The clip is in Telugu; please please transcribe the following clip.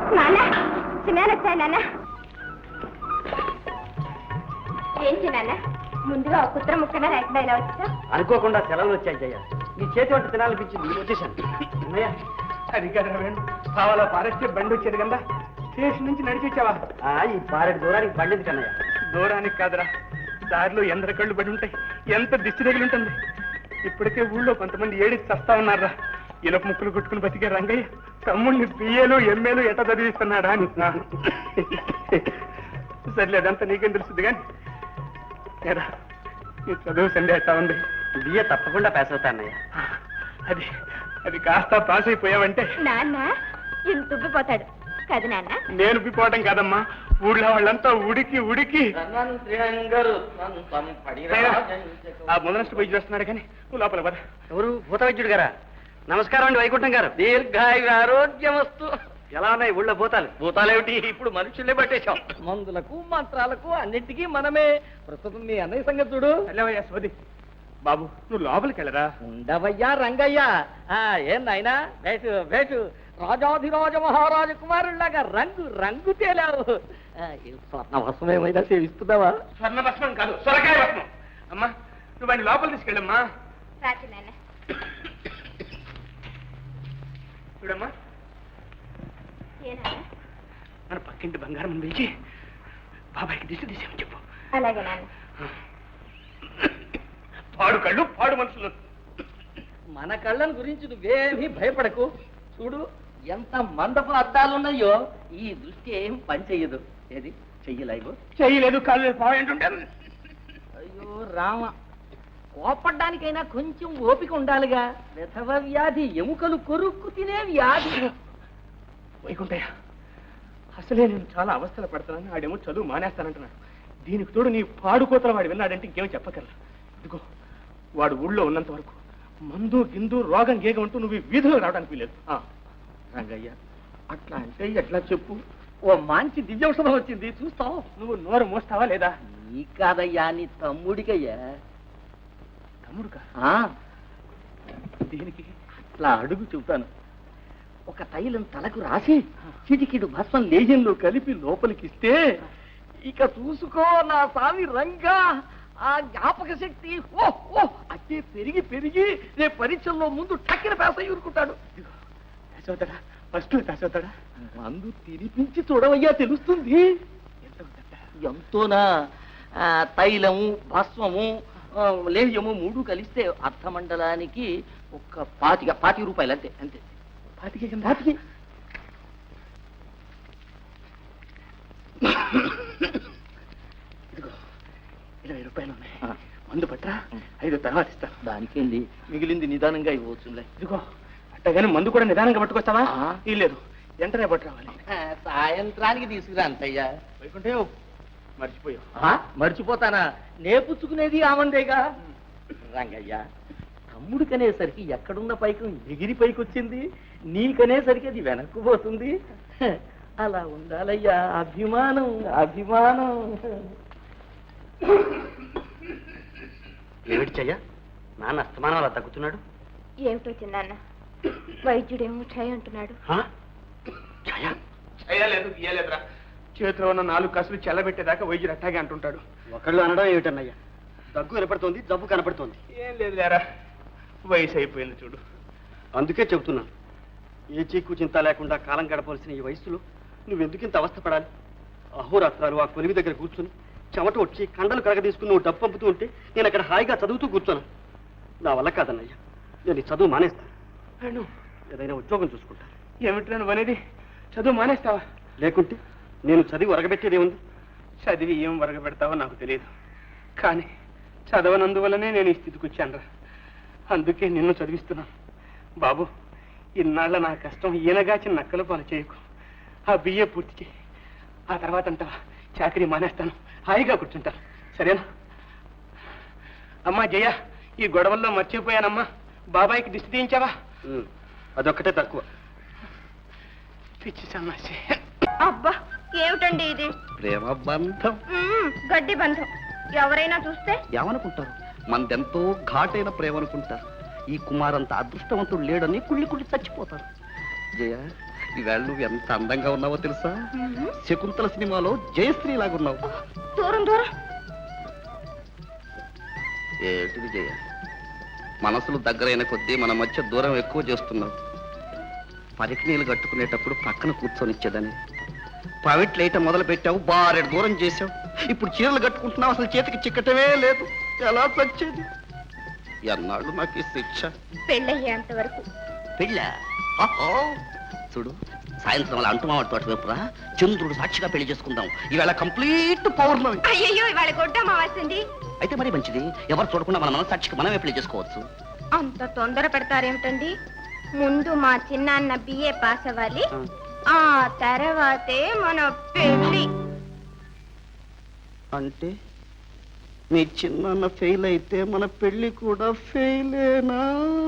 నాన్న చిన్న వచ్చాయి నాన్న. ఏంటి నాన్న ముందుగా ఒక కుత్ర ముక్కగా లేకుండా ఇలా వచ్చా? అనుకోకుండా సెలవులు వచ్చాయి జయ. నీ చేతి వంట తినాలనిపించింది, వచ్చేసాను. అన్నయ్య అది కదా వేణు, కావాలా పారెస్టే బండి వచ్చేది కదా, స్టేషన్ నుంచి నడిచి వచ్చావా? ఈ పారెడు దూరానికి బండిది కన్నయ్య. దూరానికి కాదురా, దారిలో ఎందర కళ్ళు పడి ఉంటాయి, ఎంత దిష్టి తగిలి ఉంటుంది. ఇప్పటికే ఊళ్ళో కొంతమంది ఏడికి చస్తా ఉన్నారా. ఇనప ముక్కులు కొట్టుకుని బతికే రంగయ్య తమ్ముడిని బిఏలు ఎంఏలు ఎట చదివిస్తున్నాడా అని. సర్లే, అదంతా నీకేం తెలుస్తుంది కానీ ఏరా నీ చదువు సండే ఎట్టా ఉంది? బిఏ తప్పకుండా పాస్ అవుతా అన్నయ్య. అది అది కాస్త పాస్ అయిపోయావంటే నాన్న ఇంత ఉబ్బిపోతాడు కదా నాన్న. నేను ఉబ్బిపోవటం కాదమ్మా, ఊళ్ళో వాళ్ళంతా ఉడికి ఉడికి. ఆ మొదలಷ್ಟು పోయి చేస్తున్నాడు కానీ నువ్వు లోపల పద. ఎవరు? భూత వైద్యుడు గారా? నమస్కారం అండి వైకుంఠం గారు. దీర్ఘాయురారోగ్యమస్తు. ఎలా ఉన్నాయి ఊళ్ళో భూతాలు? భూతాలేమిటి, ఇప్పుడు మనుషుల్నే పట్టేశాం. మందులకు మంత్రాలకు అన్నింటికీ మనమే. ప్రస్తుతం మీ అన్నయ్య సంగతి చూడు. వెళ్ళవయ్యా సోది. బాబు నువ్వు లోపలికి వెళ్ళరా. ఉండవయ్యా రంగయ్య. ఏం నాయనా, వేటు వేటు రాజాధిరాజ మహారాజ కుమారుల్లాగా రంగు రంగు తేలావు. స్వర్ణ వస్త్రం ఏమైనా సేవిస్తున్నావా? స్వర్ణ భస్మం కాదు, సొరకాయ భస్మం. అమ్మా నువ్వు వాడిని లోపల తీసుకెళ్ళమ్మా. రాజు నాన్న చూడమ్మా, ఏనా మన పక్కింటి బంగారం పిలిచి బాబాయ్కి దిశ తీసేమని చెప్పు. అలాగే నాన్న. పాడు కళ్ళు పాడు మనుషులు. మన కళ్ళను గురించి నువ్వేమీ భయపడకు. చూడు ఎంత మందపు అద్దాలున్నాయో, ఈ దృష్టి ఏం పని చెయ్యదు. ఏది చెయ్యలేవు? చెయ్యలేదు, కాళ్ళు పాయింటుంటే. అయ్యో రామ, కోపడ్డానికైనా కొంచెం ఓపిక ఉండాలిగా. విధవ వ్యాధి, ఎముకలు కొరుక్కు తినే వ్యాధి. వైకుంఠయ్య, అసలే నేను చాలా అవస్థలు పడుతున్నాను. ఆడేమో చదువు మానేస్తానంటున్నాడు. దీనికి తోడు నీ పాడుకోతల వాడు విన్నాడంటే ఇంకేమో చెప్పగలరా. ఇదిగో వాడు ఊళ్ళో ఉన్నంత వరకు మందు గిందు రోగం గేగం అంటూ నువ్వు వీధిలో రావడానికి వీలేదు. రంగయ్య, అట్లా అంటే ఎట్లా చెప్పు? ఓ మంచి దివ్యౌషధం వచ్చింది, చూస్తావు. నువ్వు నోరు మోస్తావా లేదా? నీ కాదయ్యా, నీ తమ్ముడికయ్యా. తమ్ముడుకా? దీనికి అట్లా అడుగు చెబుతాను. ఒక తైలం తలకు రాసి చిటికిడు భస్మం లేజంలో కలిపి లోపలికిస్తే ఇక చూసుకో నా స్వామి రంగా, ఆ జ్ఞాపక శక్తి అట్టే పెరిగి పెరిగి రేపు పరీక్షల్లో ముందు టక్కిన పేస ఊరుకుంటాడు. ఫస్ట్ అవుతాడా? మందు తినిపించి చూడవయ్యా, తెలుస్తుంది. ఎంతోనా? తైలము భస్మము లేహ్యము మూడు కలిస్తే అర్థమండలానికి ఒక 40 రూపాయలు అంతే. అంతే 40. ఇదిగో 20 రూపాయలు ఉన్నాయి, మందు పట్రా. 5 తర్వాత ఇస్తా. దానికేంది, మిగిలింది నిదానంగా ఇవ్వచ్చులే. ఇదిగో అట్టగానే మందు కూడా నిదానంగా పట్టుకొస్తావా? లేదు, వెంటనే పట్టురావాలి. సాయంత్రానికి తీసుకురా అంతయ్యా. వైకుంఠే మర్చిపోయావు. మర్చిపోతానా? నేపుచ్చుకునేది ఆమందేగా. రంగయ్య, తమ్ముడికనేసరికి ఎక్కడున్న పైకం ఎగిరి పైకొచ్చింది, నీకనేసరికి అది వెనక్కు పోతుంది. అలా ఉండాలయ్యా, అభిమానం అభిమానం. ఏమిటి చెయ్య, నాన్న అస్తమానం అలా తగ్గుతున్నాడు? ఏమిటో చిన్నాన్న, వైద్యుడేమో ఛాయ్ అంటున్నాడు. చేయలేదు గీయలేదురా, చేతిలో ఉన్న 4 కసులు చెల్లబెట్టేదాకా వైద్యుడు అట్టాగే అంటుంటాడు. ఒకళ్ళు అనడం ఏమిటన్నయ్యా? దగ్గు కనపడుతోంది, జబ్బు కనపడుతోంది. ఏం లేదు లేరా, వయసు అయిపోయింది చూడు. అందుకే చెబుతున్నాను, ఏ చీకు చింత లేకుండా కాలం గడపవలసిన ఈ వయసులో నువ్వెందుకు ఇంత అవస్థపడాలి? అహోరాత్రాలు ఆ కొలివి దగ్గర కూర్చుని చెమట వచ్చి కండలు కరగ తీసుకుని నువ్వు డబ్బు పంపుతూ ఉంటే నేను అక్కడ హాయిగా చదువుతూ కూర్చోను. నా వల్ల కాదన్నయ్యా, నేను ఈ చదువు మానేస్తాను. ఏదైనా ఉద్యోగం చూసుకుంటాను. ఏమిటి నువ్వు అనేది? చదువు మానేస్తావా? లేకుంటే నేను చదివి ఒరగబెట్టేదేముంది? చదివి ఏం వరగబెడతావో నాకు తెలియదు, కానీ చదవనందువల్లనే నేను ఈ స్థితికి వచ్చానురా. అందుకే నిన్ను చదివిస్తున్నాను. బాబు, ఇన్నాళ్ళ నా కష్టం ఈయనగాచి నక్కల పాలు చేయకు. ఆ బిఏ పూర్తి చేయి, ఆ తర్వాత అంటావా చాకరీ మానేస్తాను, హాయిగా కూర్చుంటాను. సరేనా? అమ్మా జయ, ఈ గొడవల్లో మర్చిపోయానమ్మా, బాబాయికి దిష్టి తీయించావా? అదొక్కటే తక్కువ. పిచ్చి సన్నాసి. అబ్బా, ఏమిటండి ఇది? ప్రేమ బంధం, గడ్డి బంధం. ఎవరైనా చూస్తే ఏమనుకుంటారు? మనదెంతో ఘాటైన ప్రేమ అనుకుంటారు. ఈ కుమారంత అదృష్టవంతుడు లేడని కుళ్ళి కుళ్ళి చచ్చిపోతారు. జయ, ఈవేళ నువ్వు ఎంత అందంగా ఉన్నావో తెలుసా? శకుంతల సినిమాలో జయశ్రీ లాగున్నావు. దూరం దూరం. ఏమిటి విజయ, మనసులు దగ్గరైన కొద్దీ మన మధ్య దూరం ఎక్కువ చేస్తున్నావు. పరికినీళ్ళు కట్టుకునేటప్పుడు పక్కన కూర్చొనిచ్చేదని ప్రైవేట్ లైట్ మొదలు పెట్టావు, బారెడు దూరం చేసావు. ఇప్పుడు చీరలు కట్టుకుంటున్నావు, అసలు చేతికి చిక్కటమే లేదు. ఎలా వచ్చేది? ఎన్నాళ్ళు నాకు ఈ శిక్ష? పెళ్ళయ్యేంత వరకు. పెళ్ళ? చూడు, సాయంత్రం అలా అంటుమావాడి తోట వైపురా చంద్రుడు సాక్షిగా పెళ్లి చేసుకుందాం. ఈవేళ కంప్లీట్ పౌర్ణమి. అయ్యయ్యో, ఇవాళ గొడ్డ అమావాస్యండి. అయితే మరి మంచిది, ఎవరు చూడకుండా మన మనసాక్షికి మనమే పెళ్లి చేసుకోవచ్చు. అంత తొందర పెడతారేమిటండి? ముందు మా చిన్నాన్న బిఏ పాస్ అవ్వాలి, ఆ తర్వాతే మన పెళ్లి. అంటే మీ చిన్న ఫెయిల్ అయితే మన పెళ్లి కూడా ఫెయిలేనా?